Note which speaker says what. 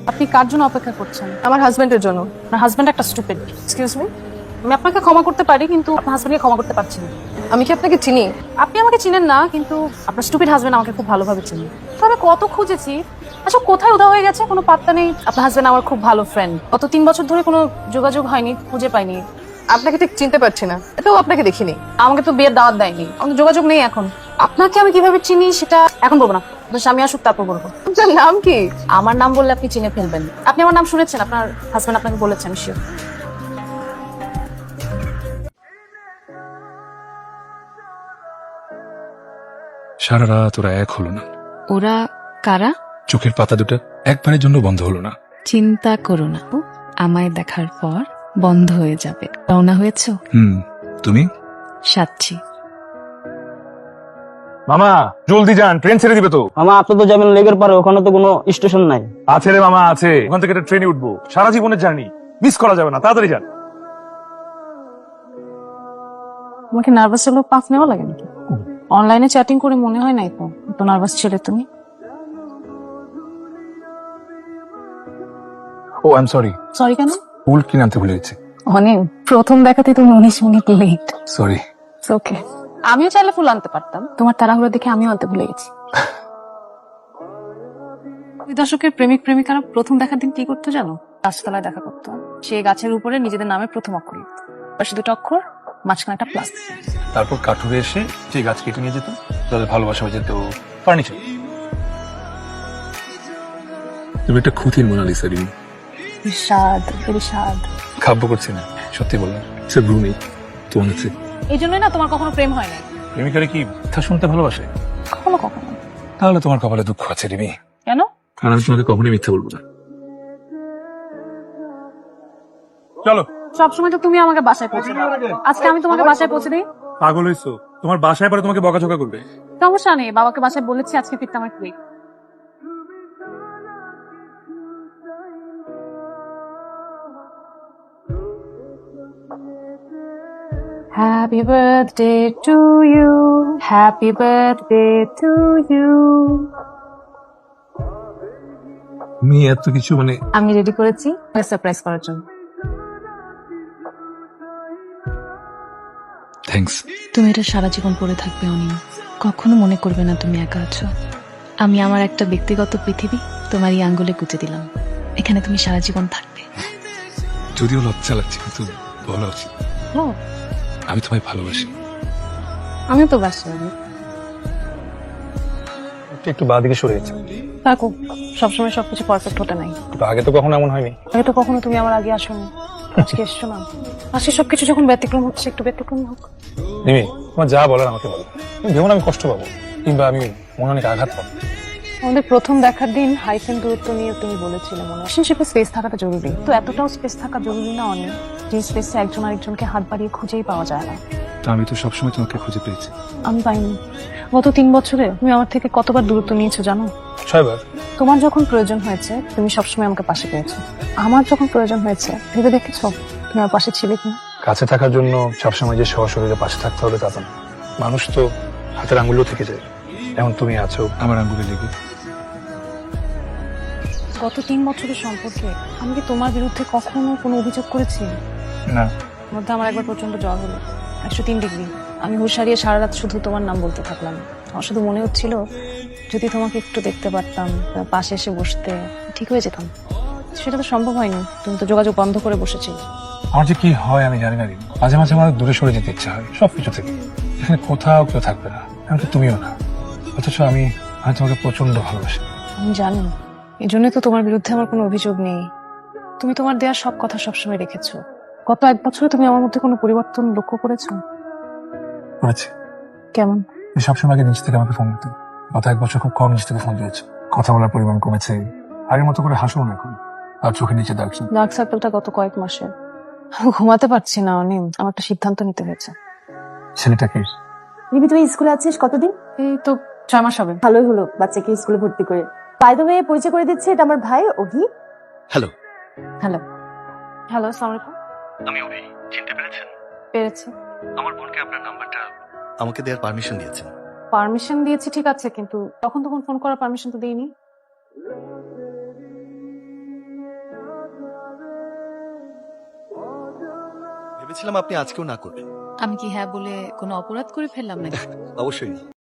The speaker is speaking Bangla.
Speaker 1: আপনি কার জন্য অপেক্ষা করছেন?
Speaker 2: আমার হাজবেন্ডের জন্য।
Speaker 1: আপনার হাজবেন্ড একটা স্টুপিড। এক্সকিউজ মি, আমি আপনাকে ক্ষমা করতে পারি কিন্তু আপনার হাজবেন্ডকে ক্ষমা করতে পারছি না।
Speaker 2: আমি কি আপনাকে চিনি?
Speaker 1: আপনি আমাকে চিনেন না কিন্তু আপনার স্টুপিড হাজবেন্ড আমাকে খুব ভালোভাবে চিনি। তো আমি কত খুঁজেছি, আচ্ছা কোথায় উদা হয়ে গেছে কোনো পাত্তা নেই। আপনার হাজবেন্ড আমার খুব ভালো ফ্রেন্ড, গত 3 বছর ধরে কোনো যোগাযোগ হয়নি, খুঁজে পাইনি।
Speaker 2: আপনাকে ঠিক চিনতে পারছি না, এটাও আপনাকে দেখিনি।
Speaker 1: আমাকে তো বিয়ের দাওয়াত দেয়নি, আমাদের যোগাযোগ নেই এখন। আপনাকে আমি কিভাবে চিনি সেটা এখন বলবো না, আপনার স্বামী আসুক তারপর বলবো।
Speaker 2: আপনার নাম কি?
Speaker 1: আমার নাম বললে আপনি চিনে ফেলবেন। আপনি আমার নাম শুনেছেন? আপনার হাজবেন্ড আপনাকে বলেছেন? শিওর।
Speaker 3: সারা রাত ওরা এক হলো না।
Speaker 4: ওরা কারা?
Speaker 3: চোখের পাতা দুটো একবারের জন্য বন্ধ হলো না।
Speaker 4: চিন্তা করো না, আমায় দেখার পর বন্ধ হয়ে যাবে। রওনা হয়েছ?
Speaker 3: তুমি?
Speaker 4: সাচ্ছি।
Speaker 5: মামা জলদি যান, ট্রেন ছেড়ে দিবে তো।
Speaker 6: মামা আপনি তো যাবেন লেগের পারে, ওখানে তো কোনো স্টেশন নাই।
Speaker 5: আছে রে মামা আছে, ওখান থেকে একটা ট্রেনে উঠবো। সারা জীবনের জার্নি মিস করা যাবে না, তাড়াতাড়ি যান।
Speaker 1: তোমাকে নার্ভাস হলেও পাফ নেওয়া লাগে নাকি? অনলাইনে চ্যাটিং করে মনে হয় নাই তো এত নার্ভাস ছিলে তুমি।
Speaker 3: Oh I am sorry.
Speaker 1: Sorry কেন?
Speaker 3: ফুল কিনে আনতে ভুলে গেছি।
Speaker 1: অনেক প্রথম দেখাতে তুমি 19 মিনিট লেট।
Speaker 3: সরি।
Speaker 1: ওকে, আমিও চাইলে ফুল আনতে পারতাম, তোমার তাড়াহুড়ো দেখে আমিও আনতে ভুলে গেছি। ওই দর্শকের প্রেমিক প্রেমিকারা প্রথম দেখার দিন কি করতো জানো? গাছতলায় দেখা করতো, সে গাছের উপরে নিজেদের নামে প্রথম অক্ষর লিখত, পাশে দুটো অক্ষর, মাঝখানে একটা প্লাস।
Speaker 3: তারপর কাঠুরে এসে যে গাছ কেটে নিয়ে যেত, তাদের ভালোবাসা হয়ে যেত ফার্নিচার। তুমি একটা খুঁতির মোনালিসা রিমি।
Speaker 1: বিষাদ, বিষাদ।
Speaker 3: খাব্য করছি না, সত্যি বললাম। সে ব্রু নেই তোমার কাছে।
Speaker 1: এই জন্যই না তোমার কখনো প্রেম হয় না।
Speaker 3: প্রেমিকারে কি কথা শুনতে ভালোবাসে?
Speaker 1: কখনো কখনো।
Speaker 3: তাহলে তোমার কপালে দুঃখ আছে রিমি।
Speaker 1: কেন?
Speaker 3: কারণ আমি তোমাকে কখনোই মিথ্যা বলবো না।
Speaker 5: চলো।
Speaker 1: সবসময় তো তুমি আমাকে বাসায় পৌঁছে দাও, আজকে আমি তোমাকে বাসায় পৌঁছে দিই।
Speaker 5: পাগল হইছো? তোমার বাসায় পরে তোমাকে বকাঝকা করবে।
Speaker 1: সমস্যা নেই, বাবাকে বাসায় বলেছি আজকে ফিরতে আমার quick. Happy birthday to you, happy birthday to you.
Speaker 3: তুমি এত কিছু মানে
Speaker 1: আমি রেডি করেছি সারপ্রাইজ করার জন্য।
Speaker 3: থ্যাঙ্কস।
Speaker 4: তুমি এটা সারা জীবন পড়ে থাকবে অনিম, কখনো মনে করবে না তুমি একা আছো। আমি আমার একটা ব্যক্তিগত পৃথিবী তোমার এই আঙ্গুলে গুঁজে দিলাম, এখানে তুমি সারা জীবন থাকবে।
Speaker 3: যদিও লজ্জা লাগছে কিন্তু বলা উচিত,
Speaker 1: ও,
Speaker 3: আমি তোমায় ভালোবাসি।
Speaker 1: আমিও তো বাসি।
Speaker 5: একটু বাঁ দিকে সরে গেছে।
Speaker 1: থাকো, সবসময় সবকিছু পারফেক্ট হতে নাই।
Speaker 5: আগে তো কখনো এমন হয়নি।
Speaker 1: আগে তো কখনো তুমি আমার আগে আসোনি, আজকে এসছো না। আজকে সবকিছু যখন ব্যতিক্রম হচ্ছে, একটু ব্যতিক্রম হোক।
Speaker 5: রিমি তোমার যা বলার আমাকে বলো। তুমি ভেবো না আমি কষ্ট পাবো কিংবা আমি মনে অনেক আঘাত পাবো।
Speaker 1: আমাদের প্রথম দেখার দিন হাইফেন দূরত্ব নিয়ে তুমি বলেছিলে মনে হয় রিলেশনশিপে স্পেস থাকাটা জরুরি। তো এতটাও স্পেস থাকা জরুরি না অনেক, যে স্পেসে একজন আরেকজনকে হাত বাড়িয়ে খুঁজেই পাওয়া যায় না।
Speaker 3: তা আমি তো সবসময় তোমাকে খুঁজে পেয়েছি।
Speaker 1: আমি পাইনি। গত 3 বছরে তুমি আমার থেকে কতবার দূরত্ব নিয়েছো জানো?
Speaker 5: 6 বার।
Speaker 1: তোমার যখন প্রয়োজন হয়েছে তুমি সবসময় আমাকে পাশে পেয়েছো, আমার যখন প্রয়োজন হয়েছে ভেবে দেখেছো তুমি আমার পাশে ছিলে কিনা?
Speaker 5: কাছে থাকার জন্য সবসময় যে সশরীরে পাশে থাকতে হবে তা তো না। মানুষ তো হাতের আঙ্গুলও থেকে যায়, এমন তুমি আছো
Speaker 3: আমার আঙ্গুলে লেগে।
Speaker 1: গত 3 বছরের সম্পর্কে আমি কি তোমার বিরুদ্ধে কখনো কোনো অভিযোগ করেছি?
Speaker 5: না।
Speaker 1: মধ্যে আমার একবার প্রচন্ড জ্বর হলো, 103 ডিগ্রি। আমি হুঁশ হারিয়ে সারা রাত শুধু তোমার নাম বলতে থাকলাম। আমার শুধু মনে হচ্ছিল যদি তোমাকে একটু দেখতে পারতাম, পাশে এসে বসতে, ঠিক হয়ে যেতাম। সেটা তো সম্ভব হয়নি, তুমি তো যোগাযোগ বন্ধ করে বসেছিলে।
Speaker 5: আমার যে কি হয় আমি জানি না রিমি। মাঝে মাঝে আমার দূরে সরে যেতে ইচ্ছা হয় সবকিছু থেকে। এখানে কোথাও কেউ থাকবে না, এমনকি তুমিও না। অথচ আমি তোমাকে প্রচন্ড ভালোবাসি।
Speaker 1: আমি জানি, এই জন্যই তো তোমার বিরুদ্ধে আমার কোনো অভিযোগ নেই। তুমি তোমার দেওয়ার সব কথা সবসময় রেখেছো। গত 1 বছরে তুমি আমার মধ্যে কোনো পরিবর্তন লক্ষ্য করেছো?
Speaker 5: করেছি।
Speaker 1: কেমন?
Speaker 5: তুমি সবসময় আগে নিজ থেকে আমাকে ফোন দিতে, গত 1 বছর খুব কম নিজ থেকে ফোন দিয়েছে। কথা বলার পরিমাণ কমেছে, আগের মতো করে হাসো না এখন। আর চোখের নিচে দাগ।
Speaker 1: ডার্ক সার্কেলটা গত কয়েক মাসে। ঘুমাতে পারছি না অনিম, আমার একটা সিদ্ধান্ত নিতে হয়েছে।
Speaker 5: ছেলেটাকে
Speaker 7: রিমি তুই স্কুলে আছিস কতদিন?
Speaker 1: এই তো 6 মাস হবে।
Speaker 7: ভালোই হলো বাচ্চাকে স্কুলে ভর্তি করে। বাই দ্য ওয়ে পরিচয় করে দিচ্ছে, এটা আমার ভাই অভি।
Speaker 8: হ্যালো।
Speaker 1: হ্যালো। হ্যালো, আসসালামু আলাইকুম।
Speaker 8: আমি অভি, চিনতে পেরেছেন?
Speaker 1: পেরেছি।
Speaker 8: আমার বোনকে আপনার নাম্বারটা আমাকে দেওয়ার পারমিশন দিয়েছেন।
Speaker 1: পারমিশন দিয়েছি ঠিক আছে, কিন্তু তখন ফোন করার পারমিশন তো দেইনি।
Speaker 8: ভেবেছিলাম আপনি আজকেও না করবেন।
Speaker 4: আমি কি হ্যাঁ বলে কোনো অপরাধ করে ফেললাম নাকি?
Speaker 8: অবশ্যই না।